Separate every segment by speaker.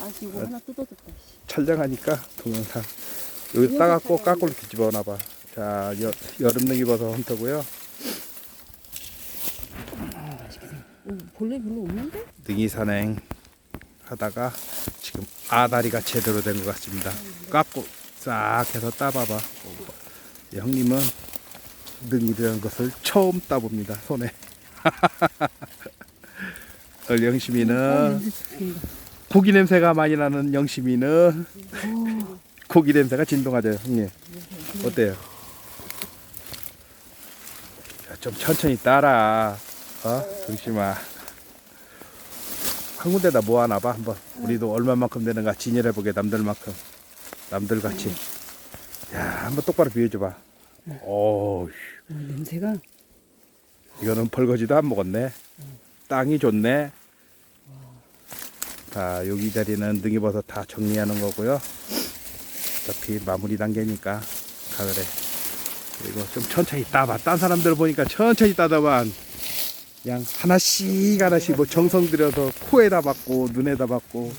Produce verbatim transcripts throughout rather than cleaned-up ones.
Speaker 1: 아씨 이거 하나 뜯어졌다. 씨.
Speaker 2: 촬영하니까 동영상 여기 따갖고 까꿀로 뒤집어놔봐. 자, 여, 여름 능이버섯 헌터고요.
Speaker 1: 어, 벌레 별로 없는데?
Speaker 2: 능이 산행 하다가 지금 아다리가 제대로 된 것 같습니다. 깎고 싹 해서 따봐봐. 예, 형님은 능이라는 것을 처음 따봅니다. 손에. 우리 영심이는
Speaker 1: 어, 냄새 죽인다.
Speaker 2: 고기 냄새가 많이 나는 영심이는
Speaker 1: 어,
Speaker 2: 고기 냄새가 진동하죠. 형님 어때요? 자, 좀 천천히 따라. 어? 영심아 한 군데다 모아놔봐 한번. 우리도 얼마만큼 되는가 진열해보게. 남들만큼 남들같이. 야, 한번 똑바로 비워줘봐. 오,
Speaker 1: 어, 냄새가
Speaker 2: 이거는 벌거지도 안 먹었네. 땅이 좋네. 자, 여기 자리는 능이버섯 다 정리하는 거고요. 어차피 마무리 단계니까 가을에. 그리고 좀 천천히 따봐. 딴 사람들 보니까 천천히 따다만 그냥 하나씩 하나씩 뭐 정성 들여서 코에다 받고 눈에다 받고.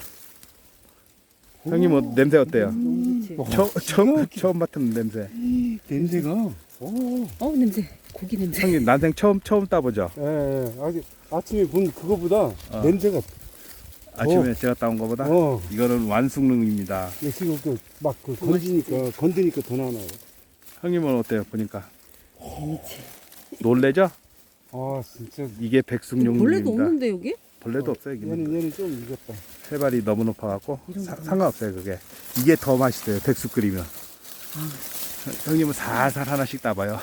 Speaker 2: 형님 뭐 냄새 어때요?
Speaker 1: 너무 좋지.
Speaker 2: 처, 처음 처음 맡은 냄새.
Speaker 3: 냄새가. 오.
Speaker 1: 어 냄새. 고기 냄새.
Speaker 2: 형님 난생 처음 처음 따보죠.
Speaker 3: 예, 예. 아직 아침에 본 그거보다
Speaker 2: 어.
Speaker 3: 냄새가.
Speaker 2: 아침에 제가 따온 거보다
Speaker 3: 어.
Speaker 2: 이거는 완숙능입니다.
Speaker 3: 예, 지금 그막그 건지니까 건드니까 더 나나요.
Speaker 2: 형님은 어때요? 보니까
Speaker 1: 재밌지.
Speaker 2: 놀래죠?
Speaker 3: 아 진짜.
Speaker 2: 이게 백숙용입니다.
Speaker 1: 벌레도 없는데 여기?
Speaker 2: 벌레도 없어요. 여기는.
Speaker 3: 얘는 얘는 좀 익었다.
Speaker 2: 해발이 너무 높아갖고
Speaker 1: 이런
Speaker 2: 사-
Speaker 1: 거.
Speaker 2: 상관없어요. 그게 이게 더 맛있어요. 백숙 끓이면.
Speaker 1: 아,
Speaker 2: 형님은 살살 하나씩 따봐요.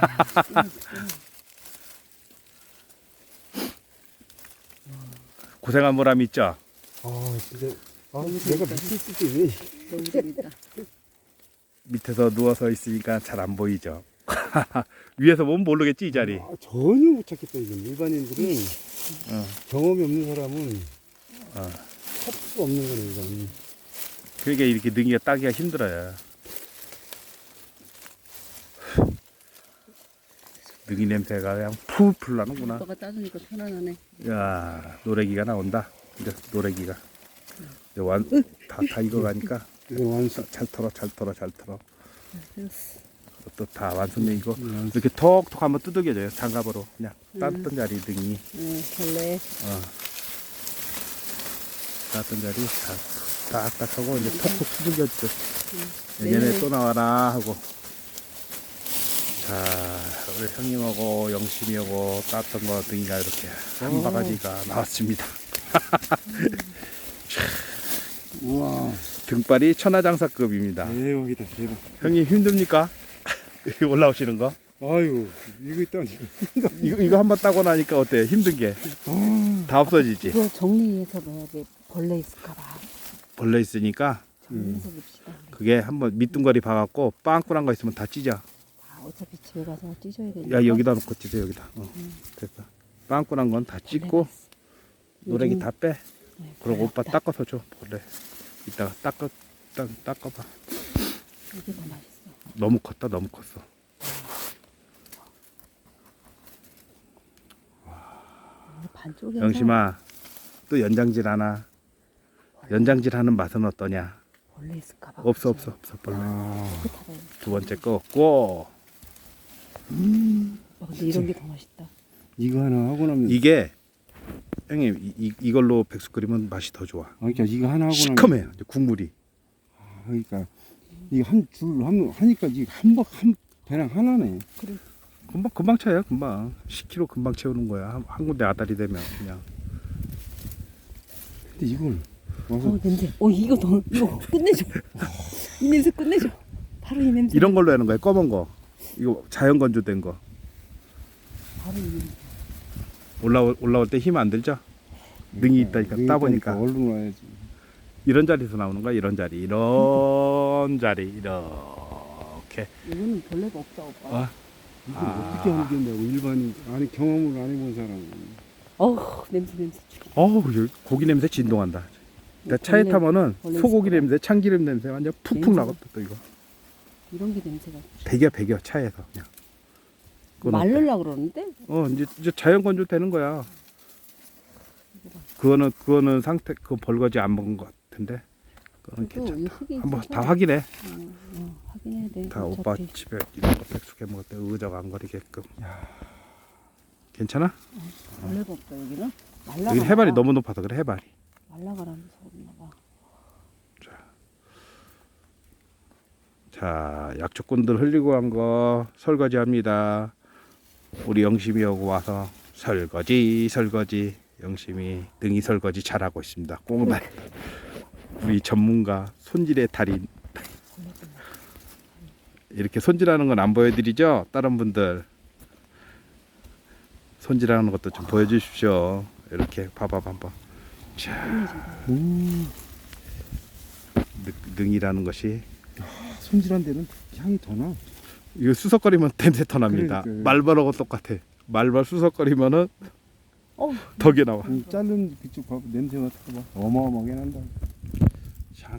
Speaker 2: 고생한 보람 있죠?
Speaker 3: 아 진짜. 아 내가 밑에 있을 때 왜?
Speaker 1: 너무 재밌다.
Speaker 2: 밑에서 누워서 있으니까 잘 안 보이죠. 위에서 보면 모르겠지 이 자리.
Speaker 3: 아, 전혀 못 찾겠다 이건. 일반인들은
Speaker 2: 어.
Speaker 3: 경험이 없는 사람은
Speaker 2: 어.
Speaker 3: 찾을 수가 없는 거네 이건.
Speaker 2: 그러니까 이렇게 능이가 따기가 힘들어요. 능이 냄새가 그냥 풀풀 나는구나.
Speaker 1: 오빠가 따주니까 편안하네.
Speaker 2: 야, 노래기가 나온다. 이제 노래기가. 이제 완, 다, 다 익어가니까.
Speaker 3: 이건 완숙.
Speaker 2: 잘 털어, 잘 털어, 잘 털어.
Speaker 1: 됐어.
Speaker 2: 또 다 완성돼 이거.
Speaker 3: 완숙.
Speaker 2: 이렇게 톡톡 한번 두들겨줘요. 장갑으로. 그냥 따뜻한 자리 능이.
Speaker 1: 응, 벌레.
Speaker 2: 어. 따뜻한 자리 다 딱딱하고 이제 톡톡 두들겨줘. 내년에
Speaker 1: 네.
Speaker 2: 또 나와라 하고. 자, 우리 형님하고 영심이하고 땄던 거 등이가 이렇게 한 바가지가 나왔습니다.
Speaker 3: 우와.
Speaker 2: 등발이 천하장사급입니다.
Speaker 3: 대박이다 대박.
Speaker 2: 형님 힘듭니까? 여기 올라오시는 거?
Speaker 3: 아유 이거 있다니.
Speaker 2: 이거, 이거 한번 따고 나니까 어때요? 힘든 게 다
Speaker 3: 아.
Speaker 2: 없어지지?
Speaker 1: 그거 정리해서 넣어야지. 벌레 있을까봐.
Speaker 2: 벌레 있으니까
Speaker 1: 정리해서 봅시다. 우리.
Speaker 2: 그게 한번 밑둥거리 봐갖고 빵꾸난 거 있으면 다 찢어.
Speaker 1: 아, 어차피 집에 가서 찢어야 되니까.
Speaker 2: 야, 여기다 놓고 찢어, 여기다. 어, 됐어. 빵꾸난 건 다 찢고 노래기 다 빼.
Speaker 1: 네,
Speaker 2: 그리고 오빠
Speaker 1: 벌레 없다.
Speaker 2: 닦아서 줘. 벌레. 이따가 닦아, 닦, 닦아봐.
Speaker 1: 이게 더 맛있어.
Speaker 2: 너무 컸다, 너무 컸어.
Speaker 1: 이게 반쪽에.
Speaker 2: 영심아, 또 연장질 하나. 연장질 하는 맛은 어떠냐?
Speaker 1: 벌레 있을까봐.
Speaker 2: 없어, 없어, 없어. 벌레.
Speaker 3: 아.
Speaker 1: 깨끗하다.
Speaker 2: 두 번째 거 없고.
Speaker 1: 어, 근데 이런 게 더 맛있다.
Speaker 3: 이거 하나 하고 나면.
Speaker 2: 이게, 형님, 이, 이, 이걸로 백숙 끓이면 맛이 더 좋아.
Speaker 3: 아, 그러니까 이거 하나 하고 나면.
Speaker 2: 시커매요, 이제 국물이.
Speaker 3: 아, 그러니까 이거 한줄한 하니까 이게 한박한 배랑 하나네.
Speaker 1: 그래.
Speaker 2: 금방, 금방 차요, 금방. 십 킬로그램 금방 채우는 거야. 한, 한 군데 아다리 되면 그냥.
Speaker 3: 근데 이걸 와서
Speaker 1: 어, 냄새. 어, 이거 더, 이거 끝내줘. 이 냄새 끝내줘. 바로 이 냄새.
Speaker 2: 이런 걸로 하는 거야, 검은 거. 이거 자연 건조된 거.
Speaker 1: 바로 이 냄새.
Speaker 2: 올라올, 올라올 때 힘 안 들죠? 능이 있다니까,
Speaker 3: 능이
Speaker 2: 따보니까.
Speaker 3: 있다니까 얼른 와야지.
Speaker 2: 이런 자리에서 나오는 거야, 이런 자리. 이런 자리, 이렇게.
Speaker 1: 이거는 벌레가 없다, 오빠.
Speaker 2: 어?
Speaker 3: 이걸
Speaker 2: 아.
Speaker 3: 어떻게 알겠냐고 일반인 아니 경험을 안 해본 사람은.
Speaker 1: 어우, 냄새, 냄새 죽여.
Speaker 2: 어우, 여기 고기 냄새 진동한다. 그러니까 차에
Speaker 1: 벌레,
Speaker 2: 타면은
Speaker 1: 벌레
Speaker 2: 소고기
Speaker 1: 있을
Speaker 2: 냄새, 참기름 냄새 완전 푹푹
Speaker 1: 냄새가-
Speaker 2: 나거든, 또 이거.
Speaker 1: 이런 게 냄새가.
Speaker 2: 배겨, 배겨, 차에서 그냥. 그건 어때?
Speaker 1: 말르려 그러는데?
Speaker 2: 어, 이제, 이제 자연 건조 되는 거야. 그거는 그거는 상태 그 벌거지 안 먹은 것 같은데. 그거는
Speaker 1: 그래도 이
Speaker 2: 괜찮다.
Speaker 1: 흙이
Speaker 2: 한번
Speaker 1: 있어서,
Speaker 2: 다 확인해.
Speaker 1: 어, 어, 확인해야 돼.
Speaker 2: 다
Speaker 1: 어차피.
Speaker 2: 오빠 집에 이런 거 백숙해 먹을 때 의자가 안 거리게끔. 괜찮아?
Speaker 1: 벌레가 없다 여기는. 말라가.
Speaker 2: 여기 해발이 너무 높아서 그래 해발이.
Speaker 1: 말라가라면서 그런가 봐.
Speaker 2: 자, 약초꾼들 흘리고 간 거 설거지 합니다. 우리 영심이하고 와서 설거지 설거지. 영심이 등이 설거지 잘하고 있습니다. 꽁날. 우리 전문가 손질의 달인. 이렇게 손질하는 건 안 보여드리죠? 다른 분들 손질하는 것도 좀 보여주십시오. 이렇게 봐봐 한번. 자,
Speaker 3: 음,
Speaker 2: 능- 능이라는 것이
Speaker 3: 손질한 데는 향이 더 나.
Speaker 2: 이거 수석거리면 냄새 더 납니다.
Speaker 3: 그러니까요.
Speaker 2: 말벌하고 똑같아. 말벌 수석거리면은
Speaker 1: 어,
Speaker 2: 덕이 나와.
Speaker 3: 이 자른 그쪽 봐봐 냄새 맡아봐. 어마어마하게 난다.